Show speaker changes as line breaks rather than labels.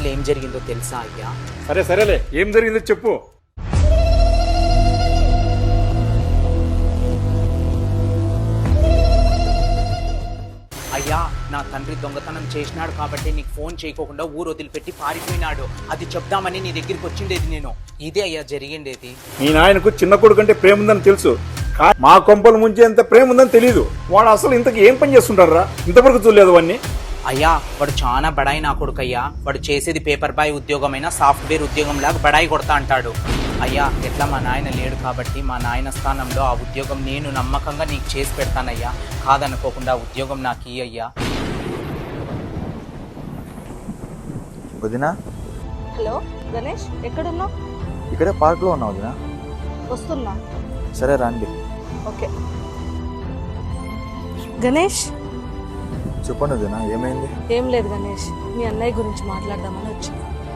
అసలు ఏం జరిగిందో తెలుసా అయ్యా?
సరేలే, ఏం జరిగిందో చెప్పు.
అయ్యా, నా తండ్రి దొంగతనం చేసినాడు కాబట్టి నీకు ఫోన్ చేయకోకుండా ఊరు వదిలిపెట్టి పారిపోయినాడు. అది చెప్దామని నీ దగ్గరికి వచ్చిండేది నేను. ఇదే అయ్యా జరిగిండేది.
మీ నాయనకు చిన్న కొడుకు అంటే ప్రేమ ఉందని తెలుసు, మా కొంపలు ముంచేంత ప్రేమ ఉందని తెలియదు. వాడు అసలు ఇంతకు ఏం పని చేస్తుంటారా? ఇంతవరకు చూడలేదు వాడిని.
అయ్యా, వాడు చాలా బడాయి నా కొడుకు అయ్యా. వాడు చేసేది పేపర్ బాయ్ ఉద్యోగమైనా సాఫ్ట్వేర్ ఉద్యోగం లాగా బడాయి కొడతా అంటాడు. అయ్యా, ఎట్లా మా నాయన లేడు కాబట్టి మా నాయన స్థానంలో ఆ ఉద్యోగం నేను నమ్మకంగా నీకు చేసి పెడతానయ్యా. కాదనుకోకుండా ఆ ఉద్యోగం నాకు ఇయ్యి అయ్యా.
వదినా,
హలో గణేష్, ఎక్కడున్నావు?
ఇక్కడే పార్క్లో ఉన్నావు వదినా.
వస్తున్నా.
సరే రండి.
ఓకే. గణేష్,
చెప్పండి వదినా, ఏమైంది?
ఏం లేదు గణేష్, మీ అన్నయ్య గురించి మాట్లాడదామని వచ్చింది.